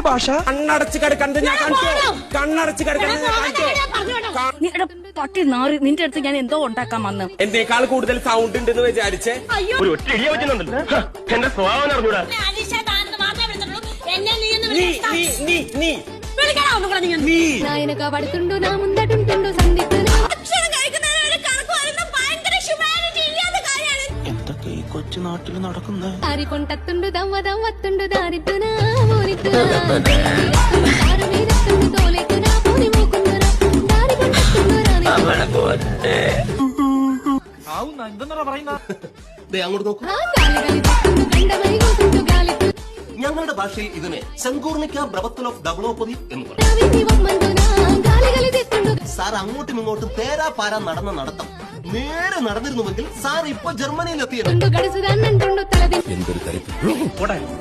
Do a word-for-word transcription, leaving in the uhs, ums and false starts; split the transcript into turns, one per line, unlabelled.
ഭാഷ?
കണ്ണടച്ച് കിടക്കണത് ഞാൻ കാണിച്ചു. കണ്ണടച്ച് കിടക്കണത് ഞാൻ കാണിച്ചു.
പട്ടി നാറി, നിന്റെ അടുത്ത് ഞാൻ എന്തോ ഉണ്ടാക്കാൻ വന്ന്.
എന്നേക്കാൾ കൂടുതൽ സൗണ്ട് ഉണ്ടെന്ന് വിചാരിച്ചേ.
ഒരു ഒറ്റ ഇടിയ പറ്റുന്നുണ്ടല്ലോ. എന്റെ സ്വഭാവം അറിഞ്ഞൂടാ.
നീ നീ നീ നീ
నాయనగా పడుతుండు నా ముందటుంటుండు సందిగ్ధనా
എന്തൊക്കെ ഈ കൊച്ചു നാട്ടിൽ നടക്കുന്നത്?
దారి కొంటత్తుండు దవ్వ దవ్వత్తుండు దారిద్దునా ఊరిద్దునా దారు మీదత్తుండు తోలేకునా పోని మూకుందునా దారి కొంటత్తుండు రాని
ആവുന്ന എന്തെന്നാ പറയുന്ന?
അങ്ങോട്ട് നോക്കൂ.
ఆ గాలి గాలి తత్తుండు గండమై గోతుండు గాలి
ഞങ്ങളുടെ ഭാഷയിൽ ഇതിനെ സങ്കൂർണിക്ക ബ്രവത്തൽ ഓഫ് ദബ്ലോപതി എന്ന് പറയും.
రావిని వమ్మందునా గాలి గాలి తెత్తుండు
സാർ അങ്ങോട്ടും ഇങ്ങോട്ടും തേരാ പാരാ നടന്ന നടത്തം നേരെ നടന്നിരുന്നുവെങ്കിൽ സാർ ഇപ്പൊ ജർമ്മനിയിൽ എത്തിയത്.
గడుసుదాన్నంటుండు తలది